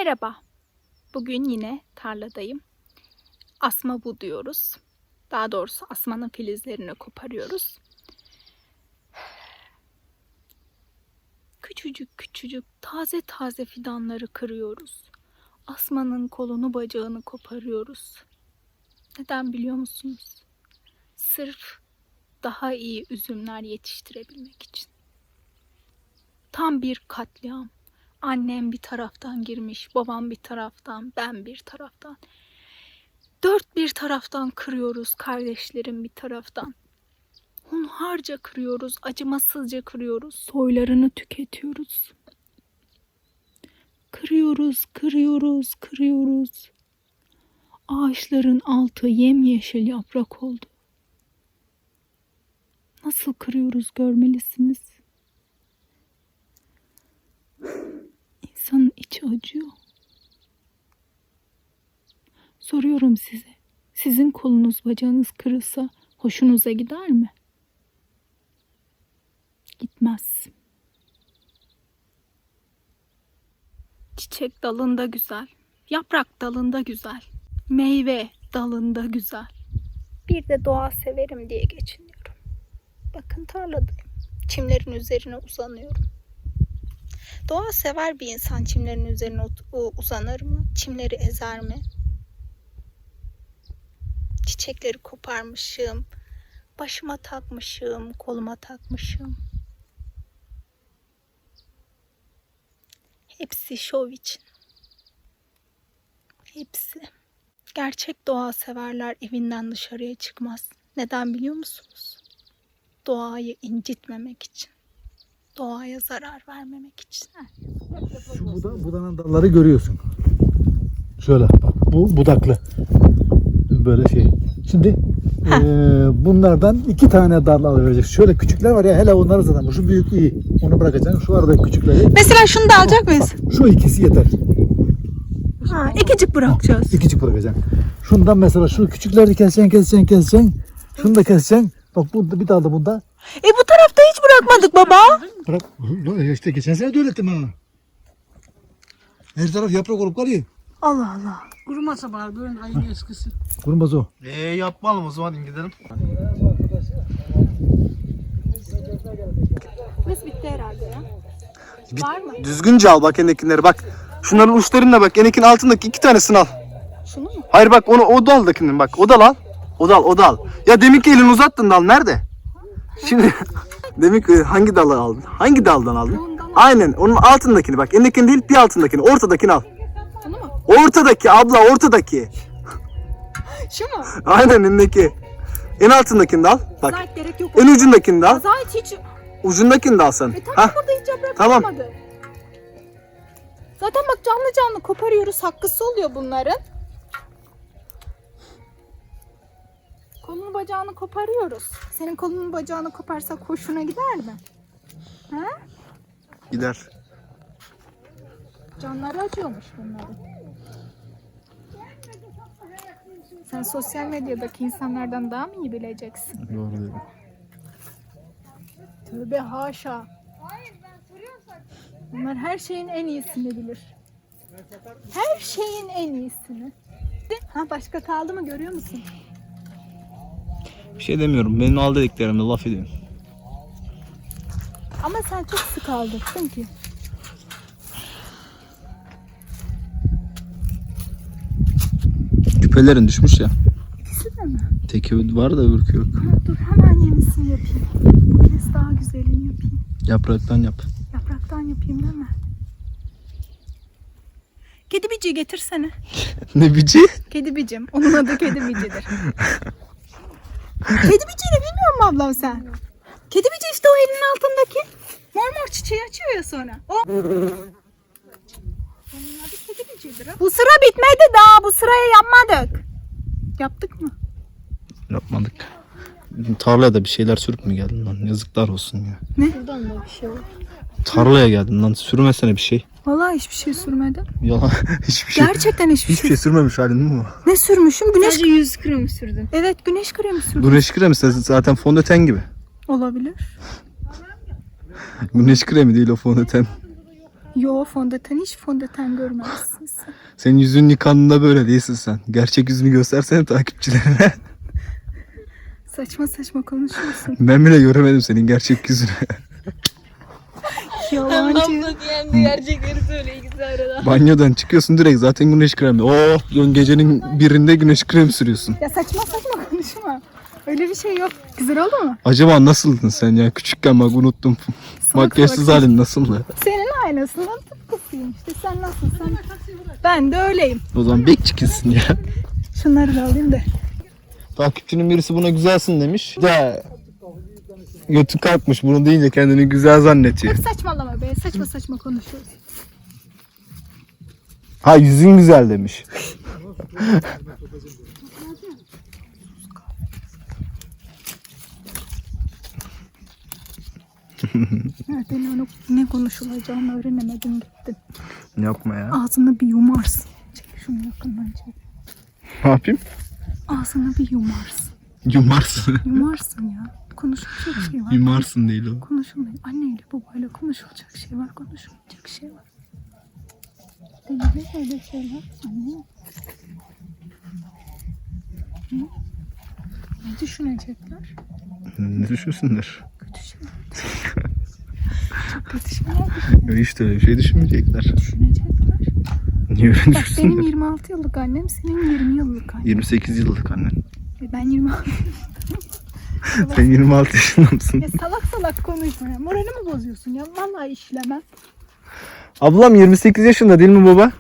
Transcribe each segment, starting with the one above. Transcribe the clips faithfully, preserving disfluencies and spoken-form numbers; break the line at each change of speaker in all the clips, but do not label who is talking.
Merhaba. Bugün yine tarladayım. Asma buduyoruz. Daha doğrusu asmanın filizlerini koparıyoruz. Küçücük küçücük taze taze fidanları kırıyoruz. Asmanın kolunu bacağını koparıyoruz. Neden biliyor musunuz? Sırf daha iyi üzümler yetiştirebilmek için. Tam bir katliam. Annem bir taraftan girmiş, babam bir taraftan, ben bir taraftan. Dört bir taraftan kırıyoruz, kardeşlerim bir taraftan. Hunharca kırıyoruz, acımasızca kırıyoruz, soylarını tüketiyoruz. Kırıyoruz, kırıyoruz, kırıyoruz. Ağaçların altı yemyeşil yaprak oldu. Nasıl kırıyoruz görmelisiniz. İnsanın içi acıyor. Soruyorum size. Sizin kolunuz bacağınız kırılsa hoşunuza gider mi? Gitmez. Çiçek dalında güzel. Yaprak dalında güzel. Meyve dalında güzel. Bir de doğa severim diye geçiniyorum. Bakın tarladayım. Çimlerin üzerine uzanıyorum. Doğa sever bir insan çimlerin üzerine uzanır mı? Çimleri ezer mi? Çiçekleri koparmışım. Başıma takmışım, koluma takmışım. Hepsi şov için. Hepsi. Gerçek doğa severler evinden dışarıya çıkmaz. Neden biliyor musunuz? Doğayı incitmemek için. Doğaya zarar vermemek için.
Şu buda, budanın dalları görüyorsun. Şöyle bak, bu budaklı. Böyle şey. Şimdi e, bunlardan iki tane dal alabilecek. Şöyle küçükler var ya, hele onları zaten. Şu büyük iyi. Onu bırakacaksın. Şu arada küçükleri.
Mesela şunu da alacak mıyız?
Bak, şu ikisi yeter.
Ha, ikicik bırakacağız.
İkicik bırakacaksın. Şundan mesela şu küçükleri keseceksin, keseceksin, keseceksin. Şunu da keseceksin. Bak bu bir dal da bunda.
E bu tarafta hiç bırakmadık baba.
Bırak. İşte geçen sene de öğrettim ha. Her taraf yaprak olup kalıyor.
Allah Allah.
Kurumasa bari böyle ayın eskisi.
Kurumaz o.
Eee yapmalım o zaman gidelim.
Biz bitti herhalde ya. Var mı?
Düzgünce al bak endekinleri bak. Şunların uçlarına bak. Endekin altındaki iki tanesini al.
Şunu mu?
Hayır bak onu o daldakinin bak. O dal al. O dal o dal. Ya demin ki elini uzattın dal nerede? Şimdi demin ki hangi dalı aldın? Hangi daldan aldın? Aynen onun altındakini bak. Endekini değil bir altındakini. Ortadakini al.
Bunu mu?
Ortadaki abla ortadaki.
Şu mu?
Aynen endeki. En altındakini de al. Bak.
Zahit gerek yok.
En ucundakini de al.
Zahit hiç...
Ucundakini de al sen.
E tamam
Hah.
burada hiç yaprak
Tamam.
olmadı. Zaten bak canlı canlı koparıyoruz. Hakkısı oluyor bunların. Kolunu bacağını koparıyoruz. Senin kolunu bacağını koparsak hoşuna gider mi? Ha?
Gider.
Canları acıyormuş bunların. Sen sosyal medyadaki insanlardan daha mı iyi bileceksin?
Doğru dedim.
Tövbe haşa. Bunlar her şeyin en iyisini bilir. Her şeyin en iyisini. Ha başka kaldı mı görüyor musun?
Bir şey demiyorum. Benim al dediklerimde laf ediyorum.
Ama sen çok sık aldırsın ki.
Küpelerin düşmüş ya.
İkisi de mi?
Teki var da öbürkü yok.
Ha, dur hemen yenisini yapayım. Bu kez daha güzelini yapayım.
Yapraktan yap.
Yapraktan yapayım değil mi? Kedi bici getirsene.
Ne bici?
Kedi bicim. Onun adı kedi bicidir. Kedi biciyle bilmiyor musun ablam sen? Kedi bici işte o elinin altındaki. Mor mor çiçeği açıyor ya sonra. O. Onun adı kedi bicidir. Bu sıra bitmedi daha. Bu sırayı yapmadık. Yaptık mı?
Yapmadık. Tarlaya da bir şeyler sürüp mü geldin lan? Yazıklar olsun ya.
Ne? Buradan da bir şey var.
Tarlaya geldin lan. Sürmesene bir şey.
Vallahi hiçbir şey sürmedim.
Yalan. Hiçbir şey.
Gerçekten hiçbir,
Hiçbir şey sürmemiş halin mi bu?
Ne sürmüşüm? Güneş
Sadece yüz kremi sürdüm.
Evet, güneş kremi sürdüm.
Güneş kremi zaten fondöten gibi.
Olabilir.
Güneş kremi değil o fondöten.
Yo, fondöten hiç fondöten görmezsin sen.
Senin yüzünün yıkandığında böyle değilsin sen. Gerçek yüzünü göstersene takipçilerine.
Saçma saçma konuşuyorsun.
Ben bile göremedim senin gerçek yüzünü.
Yalancı.
Abla diyen de gerçekleri söyle ikisi arada.
Banyodan çıkıyorsun direkt zaten güneş kremi. Oh diyorsun, gecenin birinde güneş kremi sürüyorsun.
Ya saçma saçma konuşma. Öyle bir şey yok. Güzel oldu mu?
Acaba nasıldın sen ya? Küçükken bak unuttum. Makyajsız
salak.
halin nasıldı?
Senin aynasından tıpkısıyım işte. Sen nasılsın? Ben de öyleyim.
O zaman bekçikisin ya.
Şunları da alayım da.
Takipçinin birisi buna güzelsin demiş. De götü kalkmış bunu deyince kendini güzel zannediyor.
Saçmalama be. Saçma saçma konuşuyorsun.
Ha yüzün güzel demiş.
Evet, ben onu ne konuşulacağını öğrenemedim gittim.
Yapma ya.
Ağzını bir yumarsın. Çek şunu yakından çek.
Ne yapayım?
Ağzını bir yumarsın.
Yumarsın.
Yumarsın ya. Konuşulacak şey var.
Yumarsın değil o.
Konuşulmuyor. Anneyle babayla konuşulacak şey var. Konuşulmayacak şey var. Denizde öyle şeyler. Anne. Hı? Ne düşünecekler?
Ne düşünsünler?
Kötü şeyler. Çok kötü şeyler düşünecekler.
Hiç de öyle bir şey düşünmeyecekler.
Düşünecekler.
Niye öyle
Bak benim
düşünsünler?
yirmi altı yıllık annem, senin yirmi yıllık annen.
yirmi sekiz yıllık annen.
E Ben yirmi altı.
Sen yirmi altı yaşında mısın?
Ya salak salak konuşma ya. Moralimi bozuyorsun ya. Vallahi işlemem.
Ablam yirmi sekiz yaşında değil mi baba?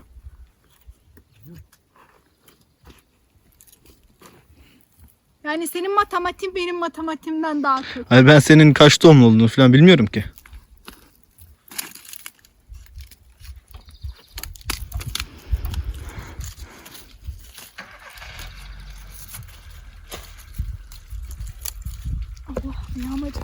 Yani senin matematiğin benim matematiğimden daha kötü.
Hayır ben senin kaç doğumlu olduğunu falan bilmiyorum ki.
Allah yağmacı.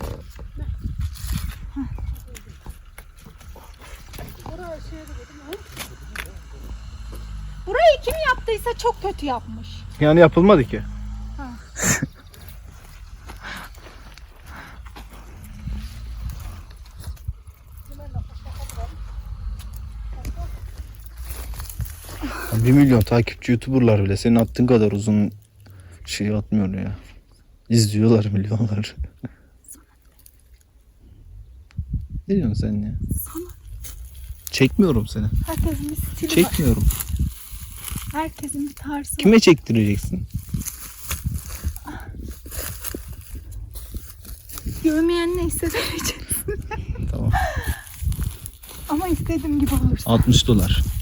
Burayı kim yaptıysa çok kötü yapmış.
Yani yapılmadı ki.
Ha.
Bir milyon takipçi YouTuber'lar bile senin attığın kadar uzun şey atmıyor ya. İzliyorlar milyonlar. Ne diyorsun sen ya?
Sana.
Çekmiyorum seni.
Herkesin bir stili var.
Çekmiyorum.
Herkesin bir tarzı var.
Kime çektireceksin?
Görmeyen neyse vereceksin.
Tamam.
Ama istediğim gibi olursa.
altmış dolar.